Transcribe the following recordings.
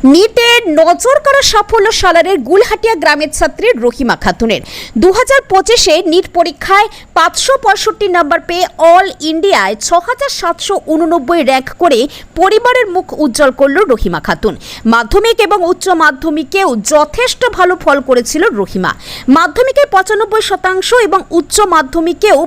নিটে নজর কাড়া সাফল্য সালারের গুলহাটিয়া গ্রামের ছাত্রী রহিমা খাতুনের 2025-এ নিট পরীক্ষায় 565 নম্বর পেয়ে অল ইন্ডিয়ায় 6789 র্যাঙ্ক করে পরিবারের মুখ উজ্জ্বল করল রহিমা খাতুন। মাধ্যমিক এবং উচ্চ মাধ্যমিকেও যথেষ্ট ভালো ফল করেছিল রহিমা। মাধ্যমিকে 95% এবং উচ্চ মাধ্যমিকেও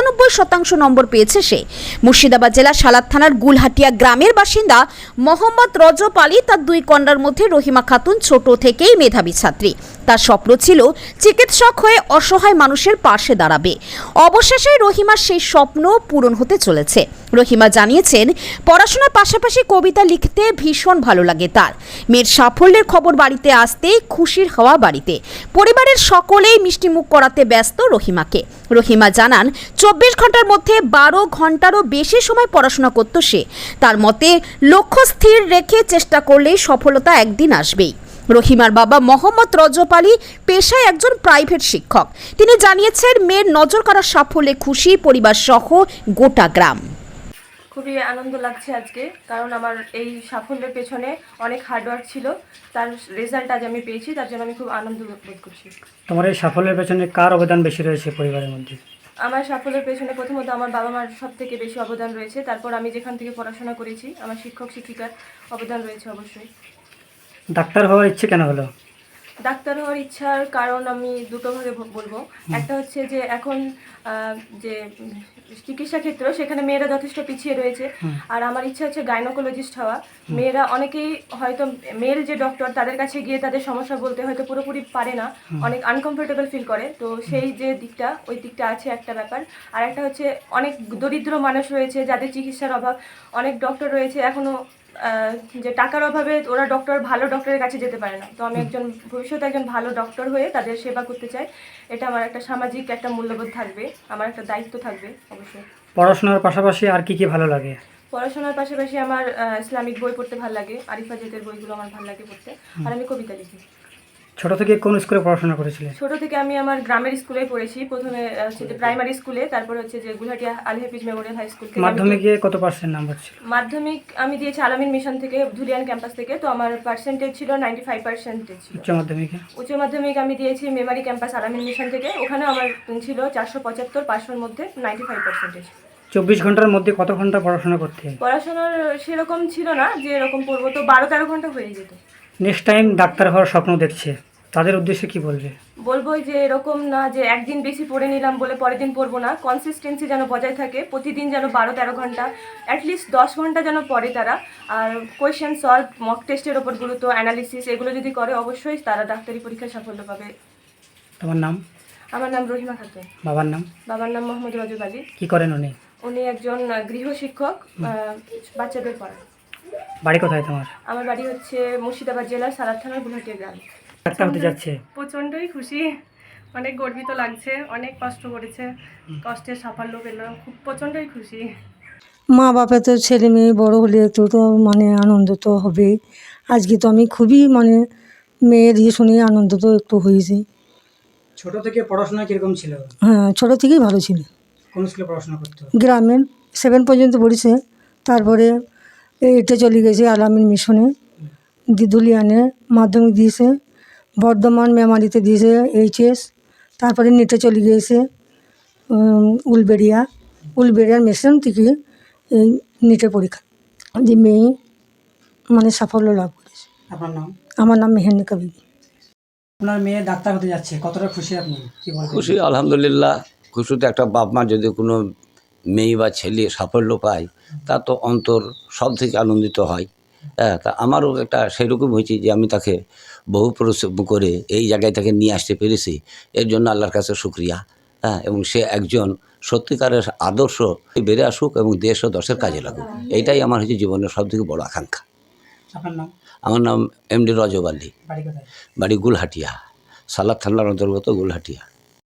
95% নম্বর পেয়েছে সে। মুর্শিদাবাদ জেলা সালার থানার গুলহাটিয়া গ্রামের বাসিন্দা মোহাম্মদ রজব আলী তার দুই কন্যার মধ্যে রহিমা খাতুন ছোট থেকেই মেধাবী ছাত্রী। তার স্বপ্ন ছিল চিকিৎসক হয়ে অসহায় মানুষের পাশে দাঁড়াবে। অবশেষে রহিমার সেই স্বপ্ন পূরণ হতে চলেছে। রহিমা জানিয়েছেন, পড়াশোনার পাশাপাশি কবিতা লিখতে ভীষণ ভালো লাগে তার। মেয়ের সাফল্যের খবর বাড়িতে আসতেই খুশির হওয়া বাড়িতে। পরিবারের সকলেই মিষ্টিমুখ করাতে ব্যস্ত রহিমাকে। রহিমা জানান, 24 ঘন্টার মধ্যে 12 ঘন্টারও বেশি সময় পড়াশোনা করত সে। তার মতে, লক্ষ্য স্থির রেখে চেষ্টা করলেই সফলতা একদিন আসবেই। রহিমার বাবা মোহাম্মদ রজব আলী পেশায় একজন প্রাইভেট শিক্ষক। তিনি জানিয়েছেন, মেয়ের নজর কাড়া সাফল্যে খুশি পরিবার সহ গোটা গ্রাম। খুবই আনন্দ লাগছে আজকে, কারণ আমার এই সাফল্যের পেছনে অনেক হার্ডওয়ার্ক ছিল। তার রেজাল্ট আজ আমি পেয়েছি, তার জন্য আমি খুব আনন্দ বোধ করছি। তোমার এই সাফল্যের পেছনে কার অবদান বেশি রয়েছে পরিবারের মধ্যে? আমার সাফল্যের পেছনে প্রথমত আমার বাবা মার সব থেকে বেশি অবদান রয়েছে। তারপর আমি যেখান থেকে পড়াশোনা করেছি, আমার শিক্ষক শিক্ষিকার অবদান রয়েছে অবশ্যই। ডাক্তার হওয়ার ইচ্ছে কেন হলো? ডাক্তার হওয়ার ইচ্ছার কারণ আমি দুটো ভাগে বলবো। একটা হচ্ছে যে এখন যে চিকিৎসা ক্ষেত্র, সেখানে মেয়েরা যথেষ্ট পিছিয়ে রয়েছে। আর আমার ইচ্ছা হচ্ছে গাইনোকোলজিস্ট হওয়া। মেয়েরা অনেকেই হয়তো মেল যে ডক্টর, তাদের কাছে গিয়ে তাদের সমস্যা বলতে হয়তো পুরোপুরি পারে না, অনেক আনকমফোর্টেবল ফিল করে। তো সেই যে দিকটা, ওই দিকটা আছে একটা ব্যাপার। আর একটা হচ্ছে অনেক দরিদ্র মানুষ রয়েছে যাদের চিকিৎসার অভাব। অনেক ডক্টর রয়েছে এখনও যে টাকার অভাবে ওরা ভালো ডক্টরের কাছে যেতে পারে না। তো আমি ভবিষ্যতে একজন ভালো ডক্টর হয়ে তাদের সেবা করতে চাই। এটা আমার একটা সামাজিক একটা মূল্যবোধ থাকবে, আমার একটা দায়িত্ব থাকবে অবশ্যই। পড়াশোনার পাশাপাশি আর কি কি ভালো লাগে? পড়াশোনার পাশাপাশি আমার ইসলামিক বই পড়তে ভালো লাগে, আরিফা জেদের বইগুলো আমার ভালো লাগে পড়তে। আর আমি কবিতা লিখি। ছোট থেকে কোন স্কুলে পড়াশোনা করেছিলে? ছোট থেকে আমি আমার গ্রামের স্কুলেই পড়েছি। প্রথমে হচ্ছে যে প্রাইমারি স্কুলে, তারপরে হচ্ছে যে Gulhatia Al Hafiz memorial high school. মাধ্যমিকে কত পার্সেন্ট নাম্বার ছিল? মাধ্যমিক আমি দিয়েছি আলামিন মিশন থেকে, ধুলিয়ান ক্যাম্পাস থেকে। তো আমার পার্সেন্টেজ ছিল 95% ছিল। উচ্চ মাধ্যমিক আমি দিয়েছি মেমারি ক্যাম্পাস আলামিন মিশন থেকে। ওখানে আমার ছিল 475, 500-র মধ্যে 95%। 24 ঘন্টার মধ্যে কত ঘন্টা পড়াশোনা করতে? পড়াশোনার সেরকম ছিল না যে এরকম পড়বো, তো 12-13 ঘন্টা হয়ে যেত। নেক্সট টাইম ডাক্তার হওয়ার স্বপ্ন দেখছে, তাদের উদ্দেশ্যে কি বলবে? বলবো যে এরকম না যে একদিন বেশি পড়ে নিলাম বলে পরের দিন পড়বো না। কনসিস্টেন্সি যেন বজায় থাকে, প্রতিদিন যেন 12-13 ঘন্টা, অ্যাটলিস্ট 10 ঘন্টা যেন পড়ে তারা। আর কোয়েশ্চেন সলভ, মক টেস্টের ওপর গুরুত্ব, অ্যানালিসিস, এগুলো যদি করে অবশ্যই তারা ডাক্তারি পরীক্ষায় সাফল্য পাবে। তোমার নাম? আমার নাম রহিমা খাতুন। বাবার নাম? বাবার নাম মোহাম্মদ রজব আলী। কি করেন উনি? উনি একজন গৃহ শিক্ষক, বাচ্চাদের পড়ান। বাড়ি কোথায় তোমার? আমার বাড়ি হচ্ছে মুর্শিদাবাদ জেলার সালার থানার গুলহাটিয়া গ্রাম। ডাক্তার হতে যাচ্ছে? প্রচণ্ডই খুশি, অনেক গর্বিত লাগছে। অনেক কষ্ট করেছে, কষ্টের সাফল্য পেল, খুব প্রচণ্ডই খুশি। মা বাপে তো ছেলে মেয়ে বড় হলে তো মানে আনন্দ তো হবেই। আজকে তো আমি খুবই মানে মেয়ের ইয়ে শুনে আনন্দ তো একটু হয়েছে। ছোট থেকে পড়াশোনা কিরকম ছিল? হ্যাঁ, ছোটো থেকেই ভালো ছিল। কোন স্কুলে পড়াশোনা করতো? গ্রামের 7 পর্যন্ত পড়েছে, তারপরে এইটে চলে গেছে আলামিন মিশনে, ধুলিয়ানে মাধ্যমিক দিয়েছে, বর্ধমান মেমারিতে দিয়েছে HS, তারপরে নেটে চলে গিয়েছে উলবেড়িয়ার মিশন থেকে এই নেটের পরীক্ষা যে মেয়ে মানে সাফল্য লাভ করেছে। আপনার নাম? আমার নাম মেহেন্দিকা বিবি। আপনার মেয়ে ডাক্তার হতে যাচ্ছে, কতটা খুশি আপনি? কি বলবেন? খুশি, আলহামদুলিল্লাহ। খুশি তো একটা বাপ মা যদি কোনো মেয়ে বা ছেলে সাফল্য পায়, তা তো অন্তর সব থেকে আনন্দিত হয়। হ্যাঁ, তা আমারও একটা সেরকম হয়েছে যে আমি তাকে বহু পরিশ্রম করে এই জায়গায় তাকে নিয়ে আসতে পেরেছি। এর জন্য আল্লাহর কাছে শুকরিয়া। হ্যাঁ, এবং সে একজন সত্যিকারের আদর্শ বেড়ে আসুক এবং দেশ ও দশের কাজে লাগুক, এইটাই আমার হচ্ছে জীবনের সবথেকে বড় আকাঙ্ক্ষা। আপনার নাম? আমার নাম MD রজব আলী। বাড়ি কোথায়? বাড়ি গুলহাটিয়া, সালার থানার অন্তর্গত গুলহাটিয়া।